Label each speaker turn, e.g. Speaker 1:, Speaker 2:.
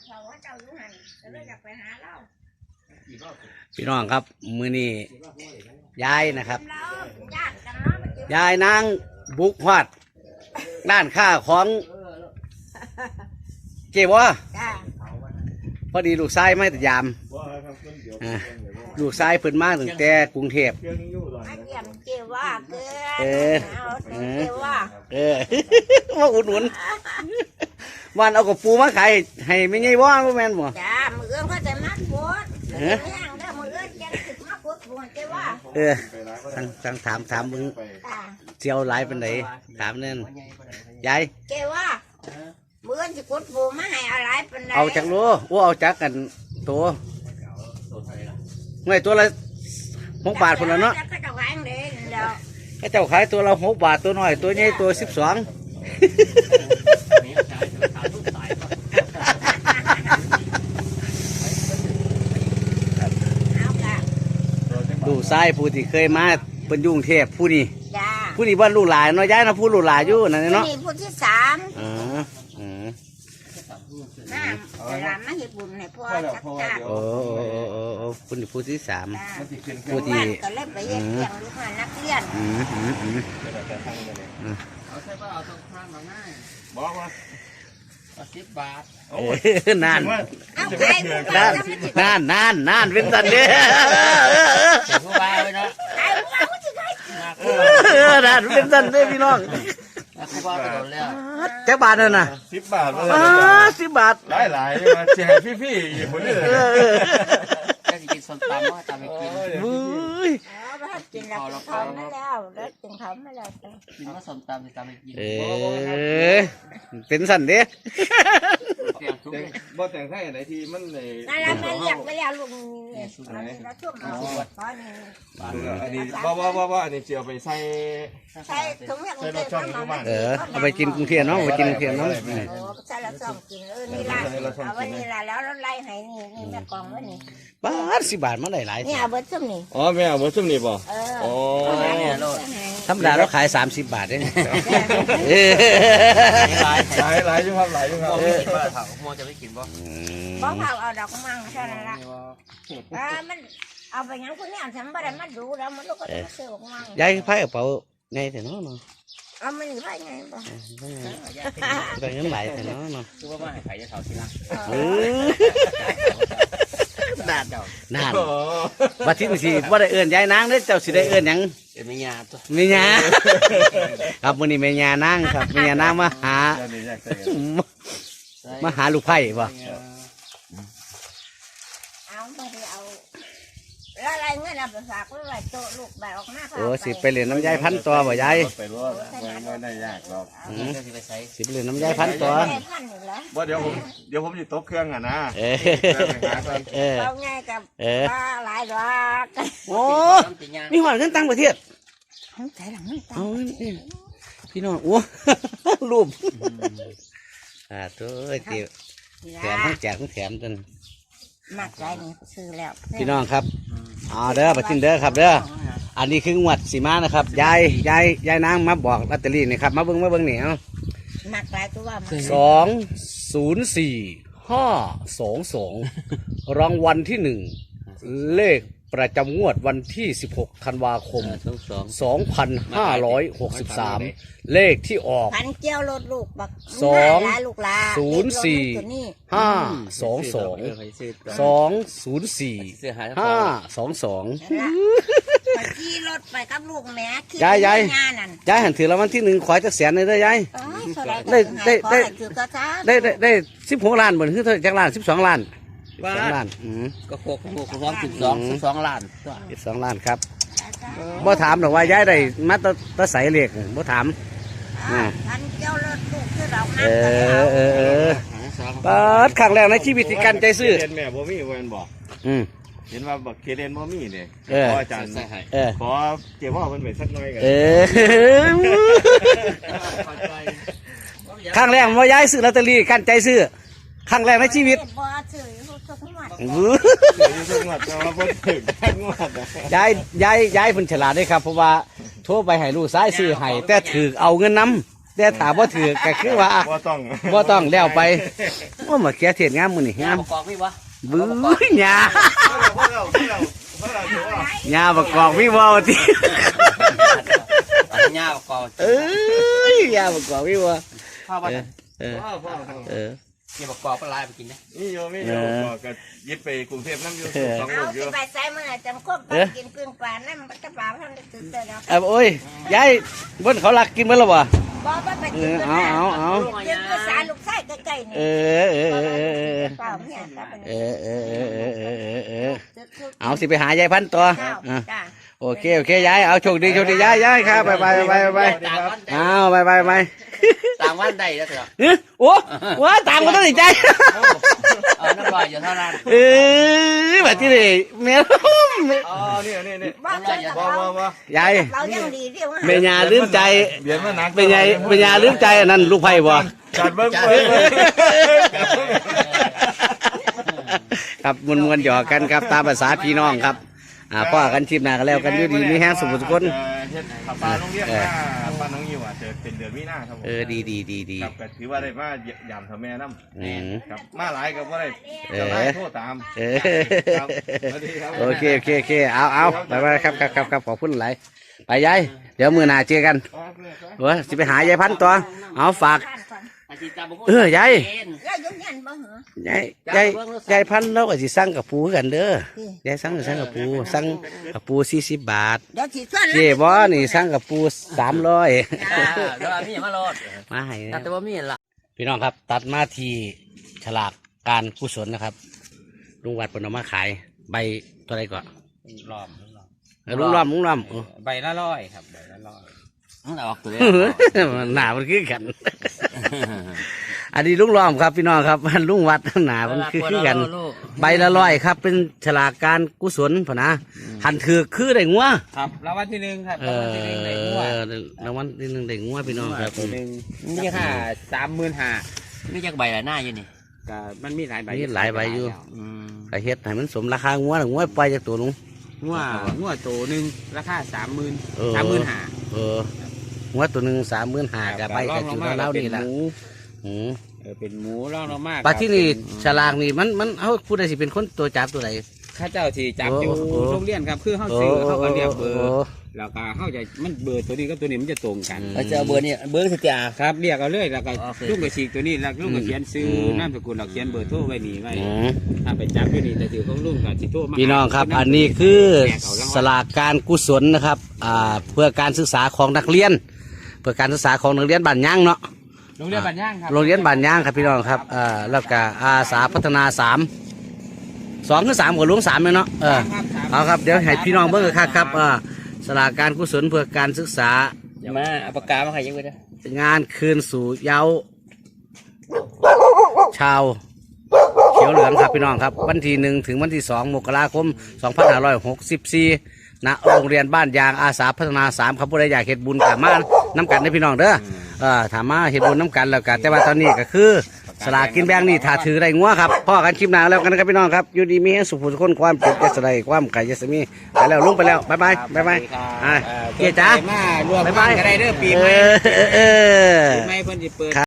Speaker 1: พี่น้องครับมือนี้ยายนะครับยายนางบุกฮอดด้านข้าของเก็บวะพอดีลูกชายไม่แต่ยามลูกชายเพิ่นมาตั้งแต่กรุงเทพว่าอุดหนุนวันเอากระปูมาขายให้ไม่ไงว่าแม่นบ่
Speaker 2: จ้ามือเขาจะมัดปวดมือจะถึงมัดปวดเจ้าว่า
Speaker 1: ตั้งถามมึงเจียวหลายเป็นไหนถามนั่นยาย
Speaker 2: เจ้าว่ามือจะกดปูมาให้อะไรเป็นไหน
Speaker 1: เอาจากรู้ว่าเอาจากกันตัวเมื่อตัวละ6 บาทคนละเนาะก็เจ้าขายตัวละ6 บาทตัวน้อยตัวใหญ่ตัว12ดูทรายผู้ที่เคยมาเป็นยุ่งเทพผู้นี้ว่าลูกหลานเนาะย้ายนะผู้ลูกหลานอยู่นั่นเนาะ
Speaker 2: ผู้ที่3น้าเวลามาเฮ็ดบุญให้พ่อจักจ้า
Speaker 1: ผู้ที่3ผู้ที่
Speaker 2: ก็เลยไปเฮ็ดเลี้ยงลูกนักเรียน
Speaker 3: เอาใช่ป่ะเอาตรงข้างมาง่ายบอกว่า10 บาท
Speaker 1: นานเป็นสันเด้
Speaker 3: ผู้บ่าวเลยเนาะ
Speaker 1: นานเป็นสันเด้พี่น้อง
Speaker 3: ผู้บ่าวจะโดนแล้ว
Speaker 1: แค่บาทนั่นน่ะ
Speaker 4: 10 บาท
Speaker 1: 10 บาท
Speaker 4: หลายมาเสียให้พี่ๆอีกคนนึง
Speaker 3: จะกินส้มตำว่าตำไม่กิน
Speaker 2: กินแล้วทำมาแล้วกินทำมาแล้ว
Speaker 3: กินว่าส้มตำไม่ตำไม่กิน
Speaker 1: เป็นสันเด้
Speaker 4: บ่แต่งให้ไหนที่มันใน
Speaker 2: นั่นแหละไม่อยากไปแล้วลุงแล้วช่วงเอาตอนนี้
Speaker 4: อันนี้ว่าอันนี้เจียวไปใส่
Speaker 2: ถุงใส่รถช่อง
Speaker 4: อยู่บ้าน
Speaker 1: เอาไปกินกรุงเทพเนาะไปกินกรุงเทพเนาะ
Speaker 2: ใส่รถช่องกินนี่ละเอาไว้นี่ละแล้วรถไล่ให้นี่แม่กองไว้นี่
Speaker 1: บาท10 บาทมาได้หลาย
Speaker 2: นี่เอาเบิร์ดซุ่มนี่
Speaker 4: อ๋อแม่เอาเบิร์ดซุ่มนี่ป่ะอ๋อ
Speaker 1: ธรรมดาเราขาย30 บาทเอง
Speaker 4: หลายอยู่ครับหลายอยู่ครับ
Speaker 3: โมจะไม่กินบ่
Speaker 2: เผาเอาดอกมังใช่ไหมล่ะมันเอาไปงั้นคุณเนี่ยฉันไม่ได้มาดูแล้วมันลูกก็จะเสือกมัง
Speaker 1: ยายไพ่กระเป๋าไงแต่เนาะ
Speaker 2: เอามันอยู่ไพ่ไงบ่
Speaker 1: แต่ยังไหลแต่เนาะ
Speaker 3: คือว่ามาให้ไผ่จะเผาทีหลัง
Speaker 1: นานบัดที่สิว่าได้เอื้อนยายนางเด้เจ้าสิได้เอื้อนหยัง
Speaker 3: แม่ยาตัว
Speaker 1: แม่ยาครับมื้อนี้แม่ยานางครับแม่ยานางมาหาลูกไผ่บ่
Speaker 2: เอาไม่ได้เอาแล้วอะไรเงี้ยนะไปฝากไว้ไว้โตลูกแบบออกมา
Speaker 1: โอ้สิไปเล่นน้ำยายพันตัวบ่ยาย
Speaker 4: ไปรถไม่ได้ยากหรอก
Speaker 1: สิไปเล่นน้ำยายพันตัว
Speaker 4: ว่าเดี๋ยวผมจะตบเครื่องอ่ะนะ
Speaker 2: เอาง่ายกับหลายดอก
Speaker 1: โอ้มีหอดเงินตังประเทศ
Speaker 2: ใช่หลังไม่ตัง
Speaker 1: พี่น้องโอ้รูปตัวเจี๋ยวแถมทั้งแจกทั้งแถมจน
Speaker 2: มากใจนี่ซื้อแล้ว
Speaker 1: พี่น้องครับเด้อไปกินเด้อครับเด้ออันนี้คืองวดสีมานะครับยายนางมาบอกลอตเตอรี่นี่ครับมาเบิ้งเหนียว
Speaker 2: มากใจตัวว่า
Speaker 1: 204522รางวัลที่1เลขประจำงวดวันที่16 ธันวาคม 2563เลขที่ออก
Speaker 2: พันเจียวรถลูกบักขี่รถไปกับลูกแม่
Speaker 1: ยายหันถือรางวัลที่1ขอจักแสนเลยเด้อยายได้16 ล้านเหมือนคือจักล้าน12 ล้าน12 ล้าน
Speaker 3: ก็โคก12 ล้าน
Speaker 1: 12 ล้านครับบ่ถามหรอกว่ายายได้มาตะใสเหล็กบ่ถาม
Speaker 2: พันเจียวรถลูกคือเรา
Speaker 1: เปิดครั้งแรกในชีวิตที่กันใจซื้อ
Speaker 4: เห็นแม่บ่มีเว้นบอกเห็นว่าบักเคเดนบ่มีเนี่ยขออาจารย์ขอเกี่ยวว่ามันเป็นสักน้อยกัน
Speaker 1: ครั้งแรกว่ายายซื้อลอตเตอรี่กันใจซื้อครั้งแรกในชีวิตยายเพิ่นฉลาดด้วยครับเพราะว่าโทรไปให้ลูกซ้ายซื้อให้แต่ถือเอาเงินนำแต่ถามว่าถือก็คือว่า
Speaker 4: บ่ต้อง
Speaker 1: บ่ต้องแล้วไปว่ามาเขียเทียนงามมื้อนี่งาม
Speaker 3: ประกอบพี่วะ
Speaker 1: บื้อหญ้า
Speaker 4: พวกเราถือว่า
Speaker 1: หญ้าประกอบพี่บ่ติ
Speaker 3: ปัญญาประกอบ
Speaker 1: เอ้ยหญ้าประกอบพี่บ่
Speaker 3: พ่อว่า
Speaker 1: เออเออ
Speaker 3: เกี่ยวประกอบก็ลายไปกินนะ
Speaker 4: นี่โยไม่โยก็ยิบไปกรุงเทพน้ำอยู่สองลู
Speaker 2: เอา
Speaker 4: กอ
Speaker 2: สิ
Speaker 4: ยู่
Speaker 2: ไปใส่มื้อจังคบไปกินกึ่งปลานั่นมันจะปลาท่านได้ตื่นเต้นแล้ว
Speaker 1: เอาโอ้ยยายเพิ่นเขารักกินเบิ่แล้วบ่
Speaker 2: บ่ว่าไปกินกันนะกินภาษาลูกชายใกล้ๆนี่
Speaker 1: เออ
Speaker 2: เปล่าเนี่ยครับ
Speaker 1: เอาสิไปหายายพันธุ์ตัว
Speaker 2: จ้า
Speaker 1: อ่ะ
Speaker 2: จ้า
Speaker 1: โอเคยายเอาโชคดียายครับไปเอาไป
Speaker 3: ต่างวันได้แล้วเถอะ
Speaker 1: เอ้ยโอ้ว้าตามกันต้องสิใจ
Speaker 3: เอาน้ำลอยอยู่เท่านั้น
Speaker 1: เอ้ยแบบที่นี่แม่
Speaker 4: อ๋อนี่
Speaker 2: บ่เคยกับ
Speaker 4: บ่
Speaker 2: เรา
Speaker 4: บ่บ่
Speaker 1: ยาย
Speaker 2: เรายังดีเรียกว่า
Speaker 1: เมียาลืมใจ
Speaker 4: เบียนมาหนัก
Speaker 1: เป็นยาลืมใจอันนั้นลูกไผ่บ่
Speaker 4: จัดเบิ้ง
Speaker 1: ครับมวนๆหยอกกันครับตามภาษาพี่น้องครับพ่อกันชิมหน้ากันแล้วกันอยู่ดีมีแห้งสุขทุกคน
Speaker 4: เฮ็ดปลาโรงเรียนปลาน้องยิวอ่ะจะเป็นเดือนมีนาครับผม
Speaker 1: ดี
Speaker 4: ครับก็ถือว่าได้มายามทำแม่น้ำครับมาหลายก็บ่ได้จะได้โทษตาม ครับสวัสดีครับ
Speaker 1: โอเคเอาไปครับขอบคุณหลายไปยายเดี๋ยวมื้อหน้าเจอกันสิไปหายายพันธุ์ตัวเอาฝากยาย
Speaker 2: แล้วยุ่งยันบ่เหรอย
Speaker 1: ายพันธุ์เราก็สิสั่งกับปูกันเด้อยายสั่งกับปูสั่งกับปู40 บาท
Speaker 2: เดี๋ยวสิส่วน
Speaker 1: เจ๊บ่นี่สั่งกับปู300
Speaker 3: แล้วมีอย่างมาโลด
Speaker 1: มาให้
Speaker 3: แต่ว่ามีละ
Speaker 1: พี่น้องครับตัดมาที่ฉลากการกุศลนะครับลุงวัดเพิ่นเอามาขายใบตัวใดก่อน
Speaker 3: รอบ
Speaker 1: ลุงล้อม
Speaker 3: ใบละร้อยครับใบละร้อยออกตัว
Speaker 1: หนามันคือกัน อันนี้ลุงล้อมครับพี่น้องครับลุงวัดหนามันคือกัน ใบละร้อยครับ เป็นฉลากการกุศลพะนะหันถือคือได้งัว
Speaker 3: ครับรางวัลที่หนึ่งครับรางวัลที่หนึ่งได้งวด
Speaker 1: รางวัลที่หนึ่งได้งัวพี่น้องครับ
Speaker 3: ตัวหนึ่งนี่ค่า35,000นี่จักใบละหน้าอยู่นี่ก็มันมีหลายใบ
Speaker 1: มีหลายใบอยู่กระเฮ็ดให้มันสมราคางัวงัวปล่อยจากตัวลุง
Speaker 3: งวดตัวหนึ่งราคา30,000 35,000
Speaker 1: งัวตัวหนึ่ง35,000กับใบกับจุดเล่านี่แหละ
Speaker 3: เป็นหมูร่องลงมาก
Speaker 1: ปลาที่นี่ฉลากนี่มันเขาผู้ใดสิเป็นคนตัวจับตัวไหน
Speaker 3: ข้าเจ้าที่จับอยู่โรงเรียนครับคือเขาซื้อเขาก็เรียกเบอร์แล้วก็เขาจะมันเบอร์ตัวนี้กับตัวนี้มันจะตรงกัน
Speaker 1: เราจะเอาเบอร์นี่เบอร์สิจ่า
Speaker 3: ครับเรียกเอาเลยแล้วก็ลุงก็ฉีกตัวนี้แล้วลุงก็เขียนซื้อนามสกุลเราเขียนเบอร์โทรไว้นี่ไว้ถ้าไปจับอยู่นี่แต่ถือของลุงกับสิโทรมา
Speaker 1: พี่น้องครับ อันนี้คือสลากการกุศลนะครับเพื่อการศึกษาของนักเรียน เพื่อการศึกษาของนักเรียนบ้านย่างเนาะ
Speaker 3: โรงเรียนบ้านย่างครับ
Speaker 1: โรงเรียนบ้านย่างครับพี่น้องครับแล้วก็อาสาพัฒนา2 คือ 3กับลุง3เลยเนาะเอาครับเดี๋ยวให้พี่น้องเบิ่งกันครับสลากการกุศลเพื่อการศึกษา
Speaker 3: มาเอาปากกามาใครยังไง
Speaker 1: งานคืนสู่เยาว์ชาวเขียวเหลืองครับพี่น้องครับวันที่1 ถึงวันที่ 2 มกราคม 2564ณโรงเรียนบ้านยางอาสาพัฒนา3ครับผู้ใดอยากเฮ็ดบุญกับมาน้ำกันได้พี่น้องเด้อถามมาเฮ็ดบุญน้ำกันแล้วกันแต่ว่าตอนนี้ก็คือสลากกินแบ่งนี่ถ้าถือได้งัวครับพ่อกันคลิปหน้าแล้วกันนะครับพี่น้องครับอยู่ดีมีให้สุขสุขคนความเจ็บจะสลายความไก่จะสมีไปแล้วลุงไปแล้วบ๊ายบายเกียร์จ้า
Speaker 3: มารวมกันก็ได้เด้อปีใหม่ปีใหม่เพิ่นจะเปิด